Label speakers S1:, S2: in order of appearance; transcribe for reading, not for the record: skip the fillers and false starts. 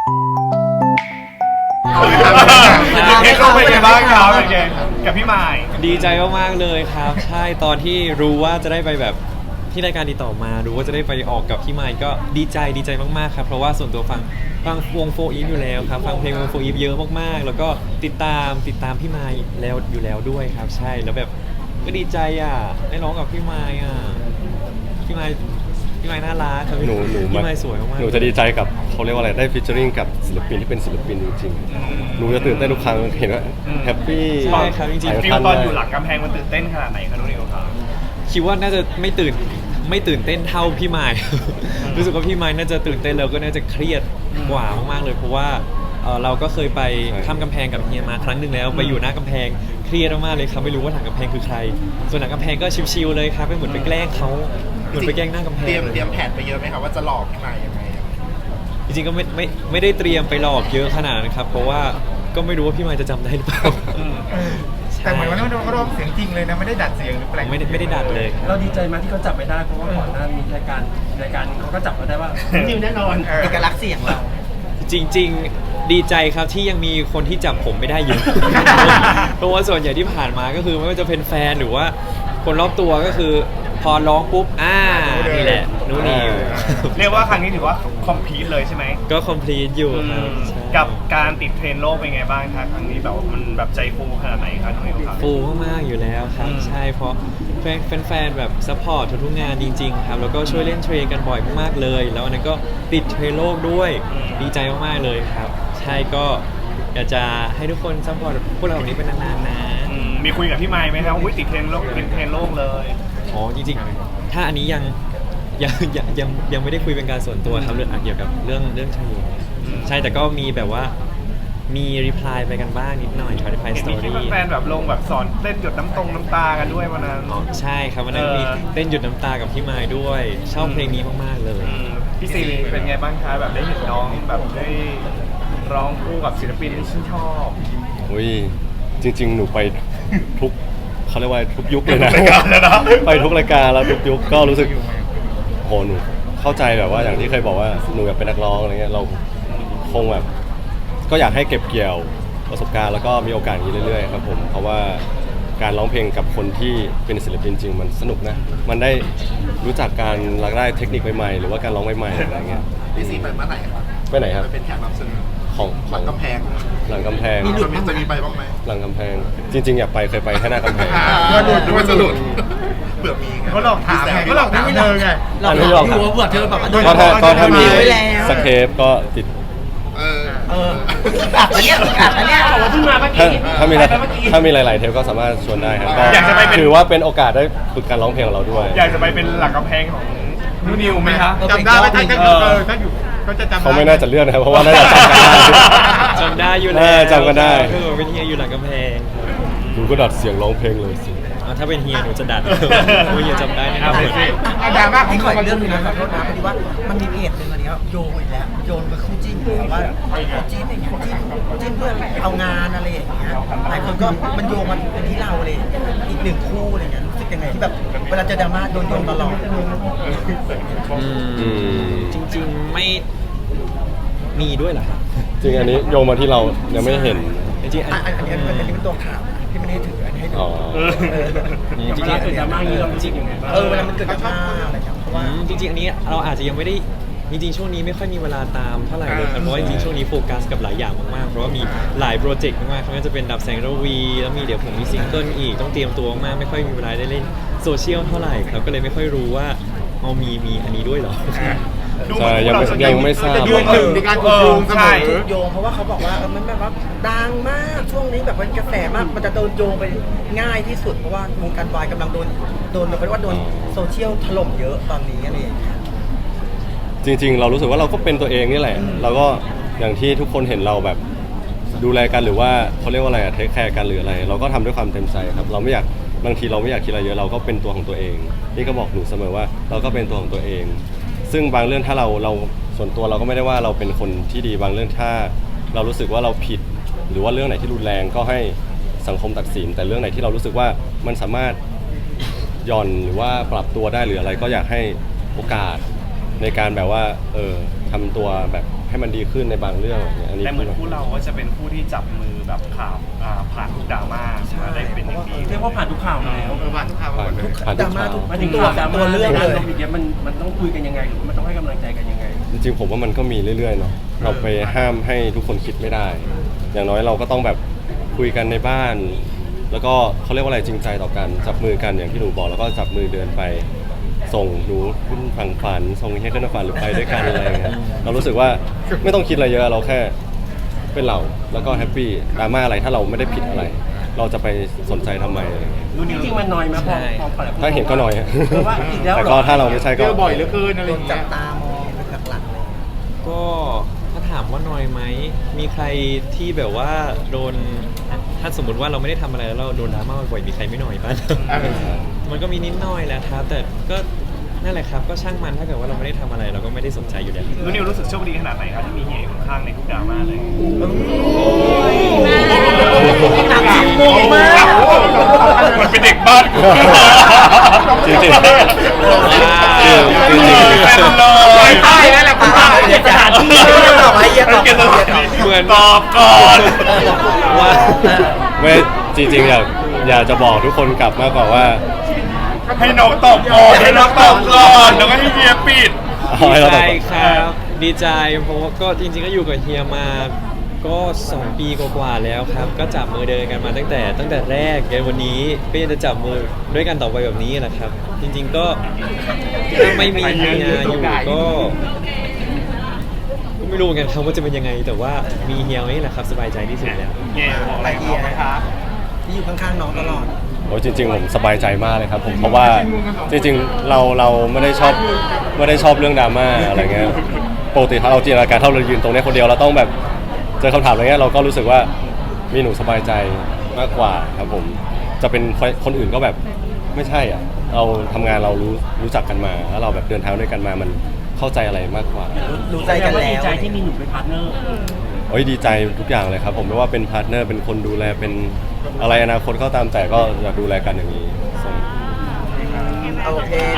S1: เทคโนเป็นไงบ้างครับเป็นไงกับพี่ไมค์
S2: ดีใจมากๆเลยครับใช่ตอนที่รู้ว่าจะได้ไปแบบที่รายการติดต่อมารู้ว่าจะได้ไปออกกับพี่ไมค์ก็ดีใจมากๆครับเพราะว่าส่วนตัวฟังวงโฟอีฟอยู่แล้วครับฟังเพลงวงโฟอีฟเยอะมากๆแล้วก็ติดตามพี่ไมค์แล้วอยู่แล้วด้วยครับใช่แล้วแบบก็ดีใจได้ร้องกับพี่ไมค์พี่ไมค์น่ารักครับพี่ไมค์สวยมากๆ
S3: หนูจะดีใจกับเขาเรียกว่าอะไรได้ฟิชเจอริงกับศิลปินที่เป็นศิลปินจริงๆหนูจะตื่นเต้นทุกครั้งเห็นว่าแฮปปี้
S2: ใช่ครับจริงๆ
S1: ฟิลตอนอยู่หลังกำแพงมันตื่นเต้นขนาดไหนครับน้องนิวครับ
S2: คิดว่าน่าจะไม่ตื่นเต้นเท่าพี่ไมค์ รู้สึกว่าพี่ไมค์น่าจะตื่นเต้นแล้วก็น่าจะเครียดกว่ามากๆเลยเพราะว่าเราก็เคยไปข้ามกำแพงกับเฮียมาครั้งหนึ่งแล้วไปอยู่หน้ากำแพงเครียดมากๆเลยครับไม่รู้ว่าหลังกำแพงคือใครส่วนหลังกำแพงก็ชิลๆเลยครับไปเหมือนไปแกล้งเขาเหมือนไปแกล้งหน้ากำแพง
S4: เตรียมแผนไปเยอะไหมครับว่าจะหลอกพี่ไมค์ยังไง
S2: จริงๆก็ไม่ได้เตรียมไปหลอกเยอะขนาดนั้นครับเพราะว่าก็ไม่รู้ว่าพี่ไมค์จะจำได้หรือเปล่า
S5: แต่เหมือนวันนั้นเราร้องเสียงจริงเลยนะไม่ได้ดัดเสียงหรือแปลง
S2: ไม่ได้ดัดเลยครับ
S6: เราดีใจมากที่เขาจับไม่ได้เพราะว่าก่อนหน้านี้รายการเขาก็จับมาได้ว่านิวแน่นอนเอกลักษณ์เสียงเรา
S2: จริงๆดีใจครับที่ยังมีคนที่จับผมไม่ได้อยู่ เพราะว่าส่วนใหญ่ที่ผ่านมาก็คือไม่ว่าจะเป็นแฟนหรือว่าคนรอบตัวก็คือพอร้องปุ๊บนี่แหละนูนิว
S1: เรียกว่าครั้งนี้ถือว่าคอมพลีทเลยใช่ไหม
S2: ก็คอมพลีทอยู่ครับใช่
S1: กับการติดเทรนด์โลกเป็นไงบ้างครับครั้งนี้แบบว่ามันแบบใจฟูขนาดไหนครับน้องนิวครับ
S2: ฟูมากๆอยู่แล้วครับใช่เพราะแฟนๆแบบซัพพอร์ตทุกๆงานจริงๆครับแล้วก็ช่วยเล่นเทรนกันบ่อยมากๆเลย แล้วอันนั้นก็ติดเทรนโลกด้วยดีใจมากๆเลยครับใช่ก็อยากจะให้ทุกคนซัพพอร์ตพวกเราแบบนี้เป็นนานๆนะ
S1: มีคุยกับพี่ไมค์ไหมครับอุ้ยติดเทรนด์โลกเลย
S2: อ๋อจริงๆถ้าอันนี้ยังไม่ได้คุยเป็นการส่วนตัวครับเรื่องเกี่ยวกับเรื่องเทรนใช่แต่ก็มีแบบว่ามีรีプライไปกันบ้างนิดหน่อยครับรีプライ
S1: เห็
S2: ส
S1: น
S2: ตอ
S1: มีที่
S2: รี่
S1: แฟนๆแบบลงแบบสอนเต้นหยดน้ำตากันด้วยวันนั้น
S2: อ๋อใช่ครับวันนั้นมีเต้นหยุดน้ำตากับพี่ไมค์ด้วยชอบเพลงนี้มากๆเลย
S1: พี่ซีเป็นไงบ้างคะแบบได้เห็นน้องแบบได้ร้องคู่กับศิลปินที่ชื่นชอบ
S3: อุ้ยจริงๆหนูไปทุกเขาเรียกว่าทุกยุคเลยนะ
S1: ทุกรายการเลยนะ
S3: ไปทุกรายการแล้วทุกยุคก็รู้สึกโหหนูเข้าใจแบบว่าอย่างที่เคยบอกว่าหนูอยากเป็นนักร้องอะไรเงี้ยเราคงแบบก็อยากให้เก็บเกี่ยวประสบการณ์แล้วก็มีโอกาสอย่างนี้เรื่อยๆครับผมเพราะว่าการร้องเพลงกับคนที่เป็นศิลปินจริงมันสนุกนะมันได้รู้จักการรักได้เทคนิคใหม่ๆหรือว่าการร้องใหม่ๆอะไรเงี้ย
S4: พี่ซีไปเมื่อไหร่ครับ
S3: ไปไหนครับ
S4: ไปเป็นแขกรับเชิญ
S3: ของ
S4: หลังกำแพง
S3: หลังกำแพง
S4: จะมีไปบ้างไหม
S3: หลังกำแพงจริงๆอยากไปเคยไปแค่หน้ากำแพง
S5: ว่าหลุด
S4: หรือว่าจะหลุดเผื่อมีไง
S5: เขาหลอกถามไงเขาหลอกถามเธอไง
S3: อันนี้ยอม
S6: อยู่ว่าเบื่อเธอแบบ
S3: ก็ถ้ามี
S6: ไว้แล้ว
S3: สเคปก็ติด
S6: อันเนี้ยบอกว่าเพิ่งมาเมื่อ
S3: ถ้า
S6: กี้
S3: ถ้ามีหลายๆเทปก็สามารถชวนได้ครับก็
S1: อยากจะไปเป็น
S3: ถือว่าเป็นโอกาสได้ฝึกการร้องเพลงของเราด้วย
S1: อยากจะไปเป็นหลักกำแพงของนูนิวไหมคะ
S5: จำได้ไหมถ้าอยู่ก็จะจำได้
S3: เขาไม่น่าจะเลือกนะครับเพราะว่าน่าจะจำกันได้
S2: จำได้อยู่
S3: เอ
S2: แล้
S3: อ
S2: ว
S3: จำกันได้
S2: คือเป็นเฮียอยู่หลังกำแพง
S3: หนูก็ดัดเสียงร้องเพลงเลยสิ
S2: ถ้าเป็นเฮียหนูจะดัดโอ้ยเฮียจำได้แน่น
S1: เอา
S2: อน
S1: ไปสิ
S5: เอาดราม่าของ
S6: ขอ
S5: เขา
S6: อีกเรื่องหนึงนะขอโทษนะพอดีว่ามันมีเพจหนึ่งอันนี้โยงอีกแล้วโยนไปคู่จิ้นแบบว่าคู่จิ้นอย่างเงี้ยจิ้นเพื่อเอางานอะไรอย่างเงี้ยหลายคนก็มันโยงมาเป็นที่เราเลยอีกหนึ่งคู่อะไรเงี้ยรู้สึกยังไงที่แบบเวลาเจอดราม่าโดนโยงตลอด
S3: อืม
S2: จริงๆไม่มีด้วยเหรอครับ
S3: จริงอันนี้โยงมาที่เรายังไม่เห็น
S2: จริงๆอัน
S6: อันนี้เป็นตัวข่าวที่ไม่ได้ถืออันนี้ให้ดู
S3: อ๋อ
S2: จริงๆ
S6: เกิดดราม่าอย่างนี้เราจริงยังไงบ้างเวลามันเกิดดราม่าอะไรอย่างเงี้ยเพราะว่า
S2: จริงๆอันนี้เราอาจจะยังไม่ได้จริงๆช่วงนี้ไม่ค่อยมีเวลาตามเท่าไหร่เลยครับเพราะว่าจริงๆช่วงนี้โฟกัสกับหลายอย่างมากๆเพราะว่ามีหลายโปรเจกต์มากๆไม่ว่าจะเป็นดับแสงระวีแล้วมีเดี๋ยวผมมีซิงเกิลอีกต้องเตรียมตัวมากไม่ค่อยมีเวลาได้เล่นโซเชียลเท่าไหร่ครับก็เลยไม่ค่อยรู้ว่ามีอันนี้ด้วยเหรอ
S3: ใช่ยังไม่ทราบ
S5: ยืนหนึ่งในการถูกโยงเสม
S1: ใช่
S5: อ
S6: ถูกโยงเพราะว่าเขาบอกว่ามันแบบว่าดังมากช่วงนี้แบบเป็นกระแสมากมันจะโดนโยงไปง่ายที่สุดเพราะว่าวงการวายกำลังโดนเป็นว่าโดนโซเชียลถล่มเยอะตอนนี้อะไรอย่างเงี้ย
S3: จริงๆ เรารู้สึกว่าเราก็เป็นตัวเองนี่แหละเราก็อย่างที่ทุกคนเห็นเราแบบดูแลกันหรือว่าเขาเรียกว่าอะไรอะเทคแคร์กันหรืออะไร เราก็ทำด้วยความเต็มใจครับเราไม่อยากบางทีเราไม่อยากคิดอะไรเยอะเราก็เป็นตัวของตัวเองนี่ก็บอกหนูเสมอว่าเราก็เป็นตัวของตัวเอง ซึ่งบางเรื่องถ้าเราส่วนตัวเราก็ไม่ได้ว่าเราเป็นคนที่ดีบางเรื่องถ้าเรารู้สึกว่าเราผิด หรือว่าเรื่องไหนที่รุนแรงก็ให้สังคมตัดสินแต่เรื่องไหนที่เรารู้สึกว่ามันสามารถหย่อนหรือว่าปรับตัวได้หรืออะไรก็อยากให้โอกาสในการแบบว่าทำตัวแบบให้ให้มันดีขึ้นในบางเรื่องอะไรเงี้ยอันนี้
S1: แต่เหมือนคู่เราก็จะเป็นคู่ที่จับมือแบบข่าวผ่านทุกดราม่ามาได้เป็นอย่างดี
S7: เรียกว่าผ่านทุกข่าวมาแล้ว
S5: ผ่านทุกข่าวหมดเลย
S3: ผ่าน
S6: ด
S3: ทุ
S6: ราก ม่า
S3: ข่าว
S6: ทุก
S7: มาถึง
S6: ตัว
S7: ข่าวดราม่า
S6: ตัวเรื่องเลย
S7: อย่างเงี้ยมันต้องคุยกันยังไงหรือมันต้องให้กำลังใจกันยังไง
S3: จริงๆผมว่ามันก็มีเรื่อยๆเนาะเราไปห้ามให้ทุกคนคิดไม่ได้ อย่างน้อยเราก็ต้องแบบคุยกันในบ้าน แล้วก็เขาเรียกว่าอะไรจริงใจต่อกันจับมือกันอย่างที่หนูบอกแล้วก็จับมือเดินไปส่งหนูขึ้นฝั่งฝันส่งให้ขึ้นฝันหรือไปด้วยกันอะไรอย่างเงี้ยเรารู้สึกว่าไม่ต้องคิดอะไรเยอะเราแค่เป็นเราแล้วก็แฮปปี้ดราม่าอะไรถ้าเราไม่ได้ผิดอะไร เราจะไปสนใจทำไมอะไรอย่างเงี้ย
S7: จริงๆมันน้อยไหมพอปล่อย
S3: ถ้าเห็นก็น้อย
S7: ว่าอีกแล้ว
S3: แต่ก็ถ้าเราไม่ใช่
S5: เจ
S3: ก็
S5: อบ่อยเหลือเกินอะไร
S6: โด
S5: อน ย่าง
S6: จั
S5: เงี้
S6: บ
S5: ย
S6: ตามองเป็นหลักๆเลย
S2: ก็ถ้าถามว่าน้อยไหมมีใครที่แบบว่าโดนถ้าสมมติว่าเราไม่ได้ทำอะไรแล้วเราโดนดราม่าบ่อยๆมีใครไม่น้อยบ้าง มันก็มีนิดหน่อยแหละครับ แต่ก็นั่นแหละครับก็ช่างมันถ้าเกิดว่าเราไม่ได้ทำอะไรเราก็ไม่ได้สนใจอยู่แล้ว
S1: นุ่นนิวรู้สึกโชคดีขนาดไหนครับที่มีเฮียอยู่ข้างๆในทุกดราม่าเลย
S6: หนักสิบโมงมาก
S1: มันเป็นเด็กบ้านกู
S3: จริงๆจริงๆ
S1: เลยใช่แล้วแหละคุณป้า
S6: เดี๋ยวสถานที่ตอบให้เยอะตอบให้เยอะ
S2: เหมือน
S1: ตอบก่อน
S2: ว่า
S3: ไม่จริงๆอยากจะบอกทุกคนกลับมากกว่าว่า
S1: ให้น้องตอบก่อนให้น้องตอบก่อนแล้วก็ให้เฮียปิด
S3: เอาให้
S2: ดี
S3: เรา
S2: ใจ
S3: ตอบก่อน
S2: ครับดีใจเพราะว่าก็จริงๆก็อยู่กับเฮียมาก็2 ปีกว่าๆแล้วครับ ก็จับมือเดินกันมาตั้งแต่แรกจนวันนี้ก็ยังจะจับมือด้วยกันต่อไปแบบนี้แหละครับ จริงๆก็ถ้าไม่มีเฮียอยู่ก็ไม่รู้เหมือนกันครับว่าจะเป็นยังไง แต่ว่ามีเฮียไว้นี่แหละครับสบายใจที่สุดแล้ว
S1: เฮียบอกอะไรเขาไหมครับ
S6: ที่อยู่ข้างๆน้องตลอด
S3: โอ้ยจริงๆผมสบายใจมากเลยครับผมเพราะว่าจริงๆเราไม่ได้ชอบเรื่องดราม่าอะไรเงี้ยปกติถ้าเราจินตนาการถ้าเรายืนตรงนี้คนเดียวเราต้องแบบเจอคำถามอะไรเงี้ยเราก็รู้สึกว่ามีหนูสบายใจมากกว่าครับผมจะเป็นคนอื่นก็แบบไม่ใช่อ่ะเราทำงานเรารู้จักกันมาแล้วเราแบบเดินทางด้วยกันมามันเข้าใจอะไรมากกว่า
S6: รู้ใจกันแล้ว
S7: ดีใจที่มีหนูเป็นพาร์ทเนอร์
S3: โอ้ยดีใจทุกอย่างเลยครับผมไม่ว่าเป็นพาร์ทเนอร์เป็นคนดูแลเป็นอะไรอนาคตก็ตามแต่ก็อยากดูแลกันอย่างนี้
S6: โอเค